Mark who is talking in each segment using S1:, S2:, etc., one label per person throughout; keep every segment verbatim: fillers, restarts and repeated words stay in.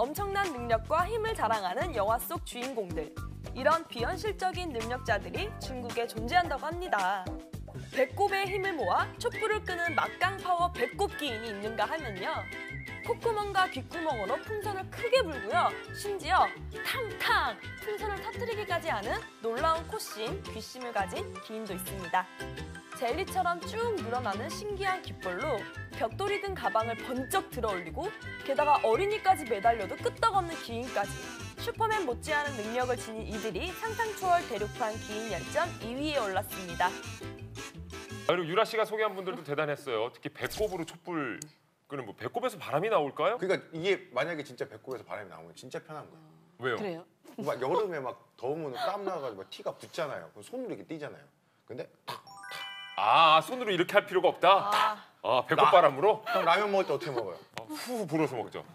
S1: 엄청난 능력과 힘을 자랑하는 영화 속 주인공들. 이런 비현실적인 능력자들이 중국에 존재한다고 합니다. 배꼽에 힘을 모아 촛불을 끄는 막강 파워 배꼽 기인이 있는가 하면요. 콧구멍과 귓구멍으로 풍선을 크게 불고요. 심지어 탕탕 풍선을 터뜨리기까지 하는 놀라운 코심, 귀심을 가진 기인도 있습니다. 젤리처럼 쭉 늘어나는 신기한 귓볼로 벽돌이 든 가방을 번쩍 들어올리고 게다가 어린이까지 매달려도 끄떡없는 기인까지. 슈퍼맨 못지않은 능력을 지닌 이들이 상상 초월 대륙판 기인 열전 이 위에 올랐습니다.
S2: 그리고 유라 씨가 소개한 분들도 대단했어요. 특히 배꼽으로 촛불 끄는 뭐 배꼽에서 바람이 나올까요?
S3: 그러니까 이게 만약에 진짜 배꼽에서 바람이 나오면 진짜 편한 거예요.
S2: 왜요?
S4: 그래요?
S3: 막 여름에 막 더우면 땀 나가지고 막 티가 붙잖아요. 그럼 손으로 이렇게 띄잖아요. 근데
S2: 아, 손으로 이렇게 할 필요가 없다?
S1: 아,
S2: 아, 배꼽 바람으로?
S3: 형 라면 먹을 때 어떻게 먹어요?
S2: 아, 후 불어서 먹죠.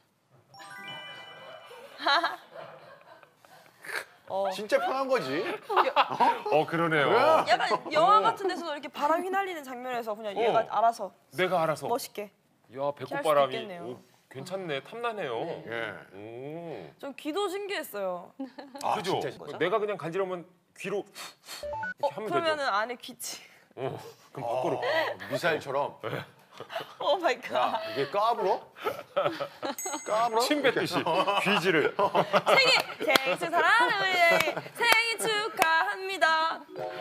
S1: 어.
S3: 진짜 편한 거지.
S2: 어, 그러네요.
S1: 약간 영화 같은 데서도 이렇게 바람 휘날리는 장면에서 그냥 얘가
S2: 어.
S1: 알아서
S2: 내가 알아서.
S1: 멋있게.
S2: 야, 배꼽
S1: 수도
S2: 바람이
S1: 있겠네요.
S2: 오, 괜찮네. 탐나네요.
S3: 예.
S2: 오.
S1: 전 귀도 신기했어요.
S3: 아,
S2: 그죠?
S3: 진짜.
S2: 내가 그냥 간지러면 귀로
S1: 어,
S2: 이렇게 하면
S1: 그러면은
S2: 되죠.
S1: 안에 귀치.
S2: 어, 그럼 밖으로.
S3: 어, 미사일처럼.
S1: 오 마이 갓.
S3: 야, 이게 까불어? 까불어?
S2: 침 뱉듯이 귀지를.
S1: 생일 생일 축하하는 우리의 생일 축하합니다.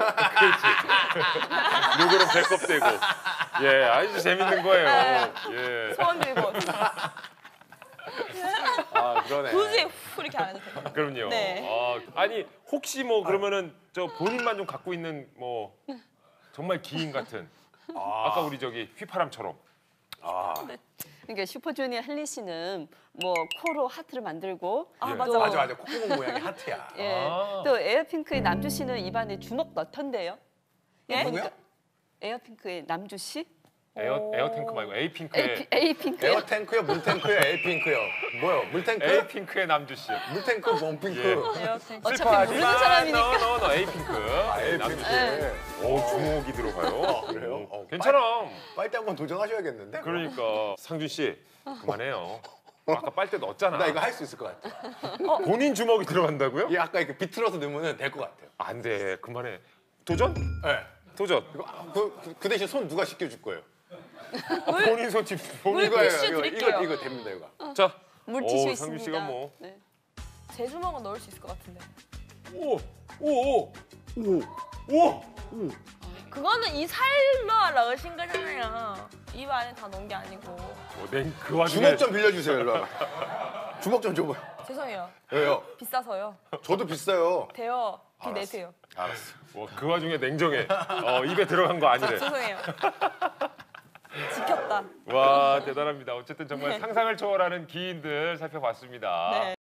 S2: 요거는 배꼽 대고. 예, 아주 재밌는 거예요. 예.
S1: 소원 들고.
S3: 아, 그러네.
S1: 굳이 후 이렇게 안 해도 돼요.
S2: 그럼요.
S1: 네.
S2: 아, 아니 혹시 뭐 그러면은 저 본인만 좀 갖고 있는 뭐 정말 기인 같은 아. 아까 우리 저기 휘파람처럼.
S3: 아,
S4: 그러니까 슈퍼주니어 헨리 씨는 뭐 코로 하트를 만들고
S1: 아
S2: 예.
S1: 맞아
S3: 맞아 맞아. 콧구멍 모양이 하트야.
S4: 예.
S2: 아.
S4: 또 에어핑크의 남주 씨는 입안에 주먹 넣던데요.
S1: 예?
S3: 누구야?
S4: 에어핑크의 남주 씨?
S2: 에어 에어 탱크 말고 에이핑크의
S4: 에이핑크요?
S3: 에어탱크요, 물탱크요, 에어핑크요. 뭐요? 물탱크?
S2: 에이핑크의 남주 씨.
S3: 물탱크, 몸핑크.
S2: 예.
S4: 어차피 모르는 사람이니까.
S2: 너너 에이핑크.
S3: 아, 에어핑크.
S4: 네.
S2: 오, 주먹이 들어가요.
S3: 그래요?
S2: 오,
S3: 어,
S2: 괜찮아.
S3: 빨대 한번 도전하셔야겠는데?
S2: 그러니까 상준 씨 그만해요. 아까 빨대 넣었잖아.
S3: 나 이거 할 수 있을 것 같아.
S2: 본인 주먹이 들어간다고요?
S3: 얘 아까 이렇게 비틀어서 넣으면 될 것 같아요.
S2: 안 돼. 그만해. 도전?
S3: 네.
S2: 도전.
S3: 이거, 그, 그, 그 대신 손 누가 씻겨줄 거예요?
S2: 본인 손짓 본인
S1: 물-
S2: 거예요.
S1: 티슈
S3: 이거,
S1: 드릴게요.
S3: 이거, 이거 됩니다, 이거.
S2: 자,
S4: 물티슈
S2: 오,
S4: 있습니다.
S2: 상준 씨가 뭐.
S4: 네.
S1: 제 주먹은 넣을 수 있을 것 같은데.
S2: 오, 오, 오, 오, 오.
S1: 그거는 이 살로 넣으신 거잖아요. 입 안에 다 넣은 게 아니고.
S2: 어, 냉그 와중에
S3: 주먹 좀 빌려주세요, 일로 와봐. 주먹 좀 줘봐요.
S1: 죄송해요.
S3: 왜요?
S1: 비싸서요.
S3: 저도 비싸요.
S1: 돼요. 비
S3: 알았어.
S1: 내세요.
S3: 알았어.
S2: 어, 그 와중에 냉정해. 어, 입에 들어간 거 아니래.
S1: 죄송해요. 지켰다.
S2: 와, 대단합니다. 어쨌든 정말
S1: 네.
S2: 상상을 초월하는 기인들 살펴봤습니다.
S1: 네.